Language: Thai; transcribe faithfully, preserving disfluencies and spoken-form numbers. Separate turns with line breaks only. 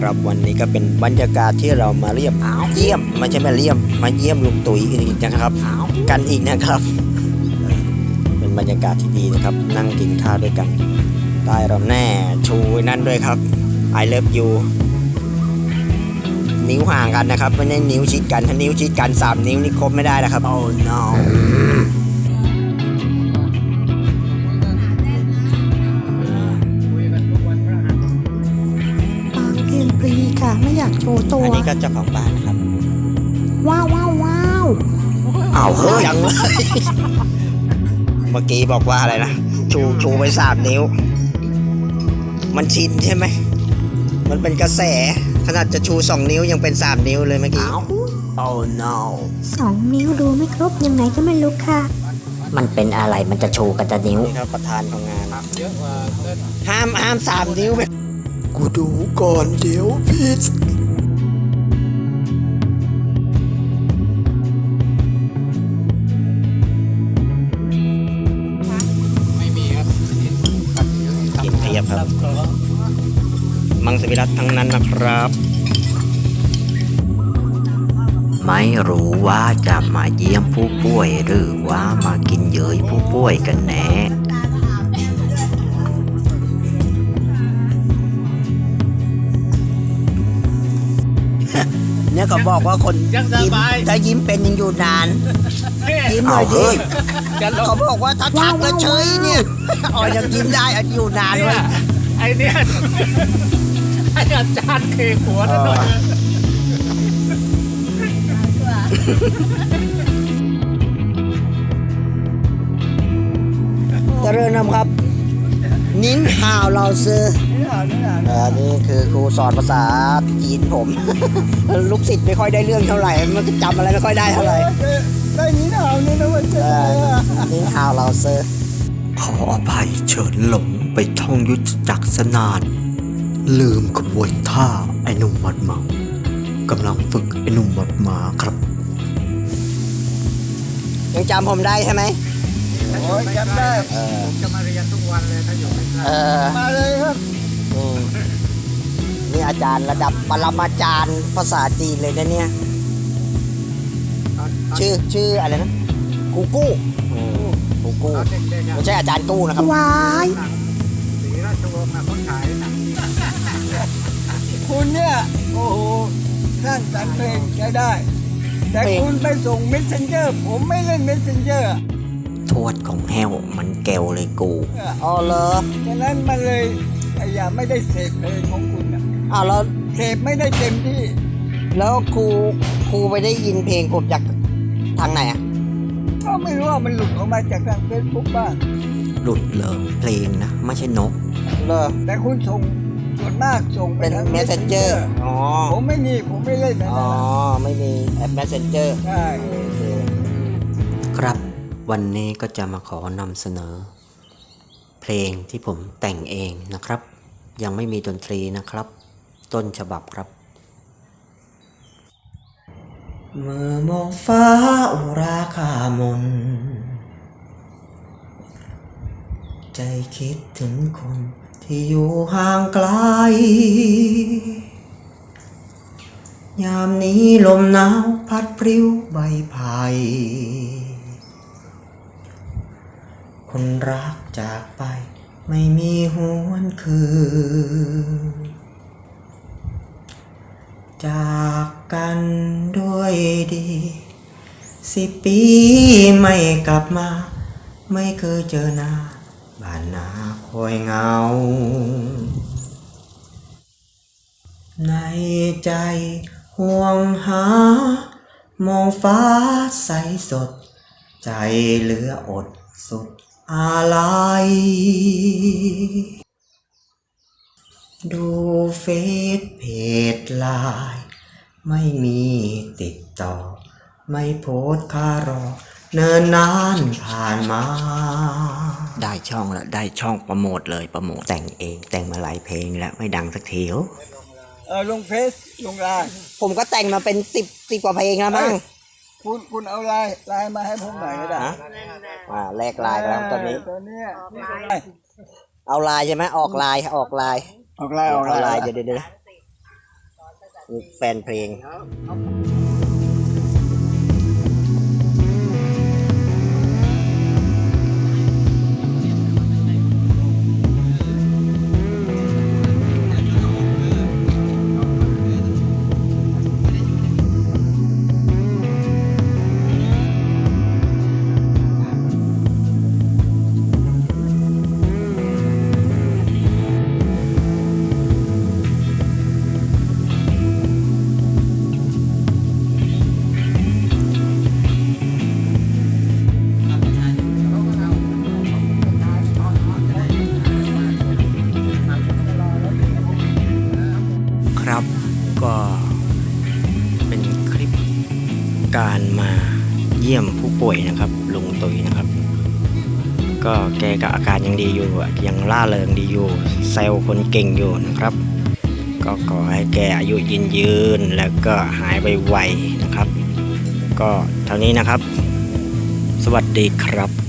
ครับวันนี้ก็เป็นบรรยากาศที่เรามาเยี่ยมเยี่ยมไม่ใช่มาเยี่ยมมาเยี่ยมลุงตุ๋ยอีกนะครับกันอีกนะครับเป็นบรรยากาศที่ดีนะครับนั่งกินข้าวด้วยกันใต้ร่มแน่ชูนั่นด้วยครับ I love you นิ้วห่างกันนะครับไม่ใช่นิ้วชิดกันถ้านิ้วชิดกันสามนิ้วนี่ครบไม่ได้นะครับ Oh no
ปรีค่ะไม่อยากโชว์ตัว
อันนี้ก็เจ้าของบ้านนะครับ
ว้าวว้าวว้าว
อ้าวเฮ้ยยังเลยเมื่อกี้บอกว่าอะไรนะชูชูไปสามนิ้วมันชินใช่ไหมมันเป็นกระแสขนาดจะชูสองนิ้วยังเป็นสามนิ้วเลยเมื่อกี้ Oh no
สองนิ้วดูไม่ครบยังไงก็ไม่รู้ค่ะ
มันเป็นอะไรมันจะโชว์กันจะนิ้ว
นี่ครับประธานของงานห้ามห้ามสามนิ้วไปกูดูก่อนเดี๋ยวผิดกินเพียบครับมังสวิรัตทั้งนั้นนะครับ
ไม่รู้ว่าจะมาเยี่ยมผู้ป่วยหรือว่ามากินเย้ยผู้ป่วยกันแน่
เนี่ยเขาบอกว่าคนยิ้มถ้ายิ้มเป็นยังอยู่นานยิ้มหน่อยดิเขาบอกว่าถ้าทักแล้วเฉยเนี่ยอ๋อยังยิ้มได้อยู่นานเลย
ไอเนี่ยไออาจารย์เคหัวนั่นหน่อย
เจริญนำครับนิ้นห่าวเราซื้ออันนี้คือครูสอนภาษาจีนผม ลูกศิษย์ไม่ค่อยได้เรื่องเท่าไหร่มันจำอะไรไม่ค่อยได้เท่าไหร่ได้นิ้นห่าวนี่นะมันจะนิ้นห่าวเราซื้อ
ขออภัยเฉินหลงไปท่องยุทธจักรสนานลืมขบวนท่าไอ้หนุ่มวัดเมากำลังฝึกไอ้หนุ่มวัดมาครับ
ยังจำผมได้ใช่ไหม
โอ้ยจำได้ผมจะมาเรียนทุกวันเลยถ้าอยู่ใกล้ๆมาเลยครับ
นี่อาจารย์ระดับปรมาจารย์ภาษาจีนเลยนะเนี่ยชื่อชื่ออะไรนะกูกู้กูกู้ไม่ใช่อาจารย์กู้นะครับ
ว้าย
ศรีราชวงศ์มาคนขายนะ
คุณเนี่ยโอ้โหสร้างสรรค์เพลงใช้ได้ แต่คุณไปส่ง messenger ผมไม่เล่น messenger
ทวดของแห้วมันแก้วเลยกู
อ๋อเหรอ
ฉะนั้นมันเลยอย่าไม่ได้เสพเพลงของคุณนะ
อ้าวแล้ว
เสพไม่ได้เต็มที่
แล้วครูครูไปได้ยินเพลงผมจากทางไหนอ่ะ
ก็ไม่รู้ว่ามันหลุดออกมาจากทางเฟซบุ๊กบ้าง
หลุดเลยเพลงนะไม่ใช่นก
เหรอ
แต่คุณส่งส่วนมากส่งไป
เป็น
ทาง
messenger อ๋อ
ผมไม่มีผมไม่เล่นนะ
อ๋อไม่มีแอป messenger
ใช่
ครับวันนี้ก็จะมาขอนำเสนอ เพลงที่ผมแต่งเองนะครับยังไม่มีดนตรีนะครับต้นฉบับครับเมื่อมองฟ้าอุราคามนใจคิดถึงคนที่อยู่ห่างไกลยามนี้ลมหนาวพัดพริ้วใบไผ่คนรักจากไปไม่มีหวนคืนจากกันด้วยดีสิบปีไม่กลับมาไม่เคยเจอหน้าบ้านนาคอยเหงาในใจห่วงหามองฟ้าใสสดใจเหลืออดสุดอะไรดูเฟซเพจไลน์ไม่มีติดต่อไม่โพสต์ค่ารอเนิ่นนานผ่านมาได้ช่องแล้วได้ช่องโปรโมทเลยโปรโมทแต่งเองแต่งมาหลายเพลงแล้วไม่ดังสักที
เออลงเฟซลงไลน์
ผมก็แต่งมาเป็นสิบสิบกว่าเพลงแล้วมั้ง
คุณคุณเอาไลน์ไลน์มาให้ผมหน่อยก็ได้
อ่าแลกไลน์แล้วตอนนี้
ตอนนี้
เอาไลน์ใช่ไหมออกไลน์ออกไลน์
ออกไลน์ออกไลน์
เดี๋ยวเดี๋ยวคือแฟนเพลงครับก็เป็นคลิปการมาเยี่ยมผู้ป่วยนะครับลุงตุ๋ยนะครับ ก็แกก็อาการยังดีอยู่อะยังล่าเริงดีอยู่เซลล์คนเก่งอยู่นะครับ ก็ขอให้แกอายุยืนยืนแล้วก็หายไวๆนะครับ ก็เท่านี้นะครับ สวัสดีครับ